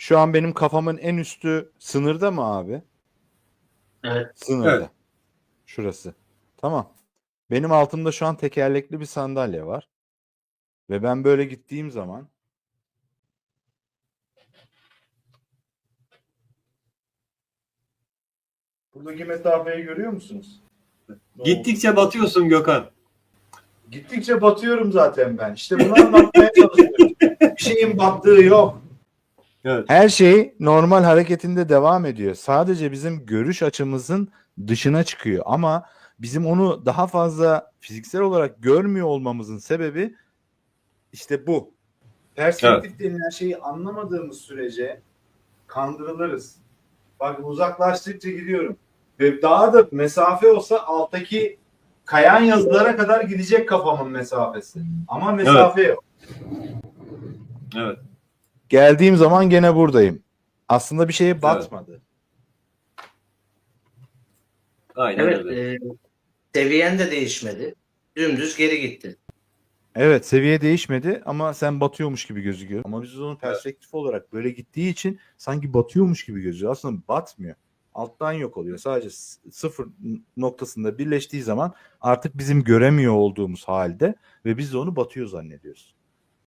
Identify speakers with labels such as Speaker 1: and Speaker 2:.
Speaker 1: Şu an benim kafamın en üstü sınırda mı abi?
Speaker 2: Evet.
Speaker 1: Sınırda.
Speaker 3: Evet.
Speaker 1: Şurası. Tamam. Benim altımda şu an tekerlekli bir sandalye var. Ve ben böyle gittiğim zaman buradaki mesafeyi görüyor musunuz?
Speaker 3: Gittikçe batıyorsun Gökhan.
Speaker 1: Gittikçe batıyorum zaten ben. İşte bunu anlatmaya çalışıyorum. Bir şeyin battığı yok.
Speaker 3: Evet.
Speaker 1: Her şey normal hareketinde devam ediyor. Sadece bizim görüş açımızın dışına çıkıyor. Ama bizim onu daha fazla fiziksel olarak görmüyor olmamızın sebebi işte bu. Perspektif denilen şeyi anlamadığımız sürece kandırılırız. Bak uzaklaştıkça gidiyorum. Ve daha da mesafe olsa alttaki kayan yazılara kadar gidecek kafamın mesafesi. Ama mesafe yok.
Speaker 3: Evet.
Speaker 1: Geldiğim zaman gene buradayım. Aslında bir şeye batmadı.
Speaker 3: Aynen
Speaker 2: Evet.
Speaker 3: öyle.
Speaker 2: Seviyen de değişmedi. Dümdüz geri gitti.
Speaker 1: Evet, seviye değişmedi ama sen batıyormuş gibi gözüküyor. Ama biz onu perspektif olarak böyle gittiği için sanki batıyormuş gibi gözüküyor. Aslında batmıyor. Alttan yok oluyor. Sadece sıfır noktasında birleştiği zaman artık bizim göremiyor olduğumuz halde ve biz de onu batıyor zannediyoruz.